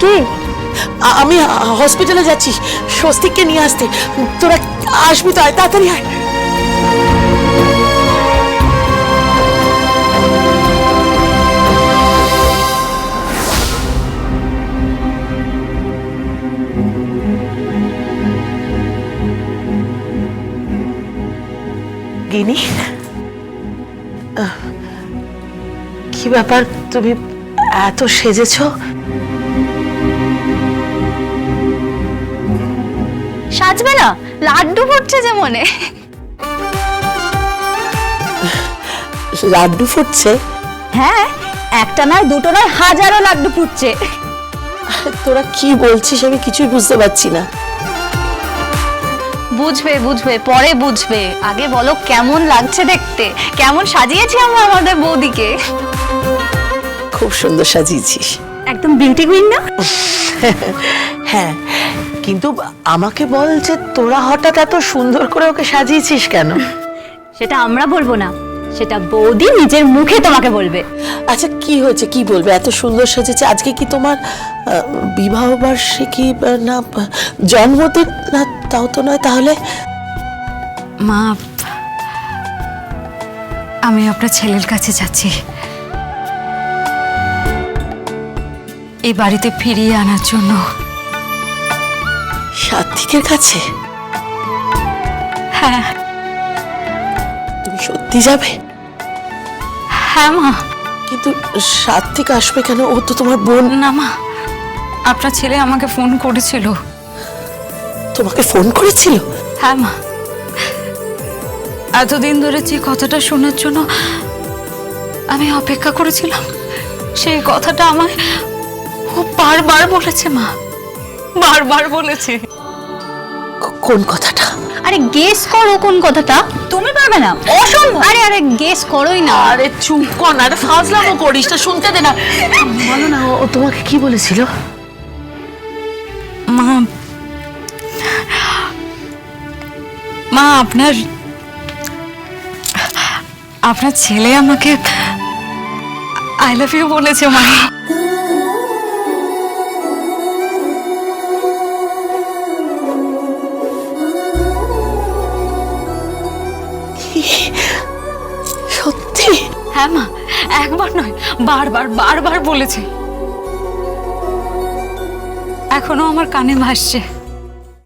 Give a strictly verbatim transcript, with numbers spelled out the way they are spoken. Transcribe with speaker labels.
Speaker 1: কে?
Speaker 2: আমি হসপিটালে যাচ্ছি স্বস্তিককে নিয়ে আসতে। তোরা আসবি তো? আয় তাড়াতাড়ি আয়। গিনি, কি ব্যাপার, তুমি এত সেজেছো?
Speaker 1: সাজবে না? লাড্ডু ফুটছে যে মনে।
Speaker 2: লাড্ডু ফুটছে?
Speaker 1: হ্যাঁ, একটা নয় দুটো নয় হাজারো লাড্ডু ফুটছে।
Speaker 2: তোরা কি বলছিস আমি কিছুই বুঝতে পারছি না।
Speaker 1: বুঝবে বুঝবে পরে বুঝবে, আগে বলো কেমন লাগছে দেখতে, কেমন সাজিয়েছি আমরা আমাদের বৌদিকে।
Speaker 2: খুব সুন্দর সাজিয়েছিস,
Speaker 1: একদম বিউটি কুইন না?
Speaker 2: হ্যাঁ, কিন্তু আমাকে বল যে তোরা হঠাৎ এত সুন্দর করে ওকে সাজিয়েছিস কেন?
Speaker 1: সেটা আমরা বলবো না, সেটা বৌদি নিজের মুখে তোমাকে বলবে।
Speaker 2: আচ্ছা কি হয়েছে, কি বলবে? এত সুন্দর সাজেছে। আজকে কি তোমার বিবাহ বার্ষিকী না জন্মদিন? না তাও তো নয়। তাহলে
Speaker 3: মা, আমি আপনার ছেলের কাছে যাচ্ছি, এই বাড়িতে ফিরিয়ে আনার জন্য।
Speaker 2: সাত্বিকের কাছে?
Speaker 3: হ্যাঁ।
Speaker 2: তুমি সত্যি যাবে?
Speaker 3: হ্যাঁ মা।
Speaker 2: কিন্তু সাত্বিক আসবে কেন? ও তো তোমার বোন।
Speaker 3: না মা, আপনার ছেলে আমাকে ফোন করেছিল।
Speaker 2: তোমাকে ফোন করেছিল?
Speaker 3: হ্যাঁ মা, এতদিন ধরে যে কথাটা শোনার জন্য আমি অপেক্ষা করেছিলাম, সেই কথাটা আমায় ও বারবার বলেছে মা, বারবার বলেছে।
Speaker 2: কোন কথাটা?
Speaker 1: আরে গেস করো কোন কথাটা। তুমি পারবে না, অসম্ভব। আরে আরে গেস করোই না।
Speaker 2: আরে চুপ কর না, আরে ফাজলামো করিস না, শুনতে দে না। বলো না, ও তোমাকে কি বলেছিল?
Speaker 3: মা, মা আপনার আপনার ছেলে আমাকে আই লাভ ইউ বলেছে মা।
Speaker 2: সত্যি?
Speaker 3: হ্যাঁ মা, একবার নয় বারবার বারবার বলেছে, এখনো আমার কানে ভাসছে।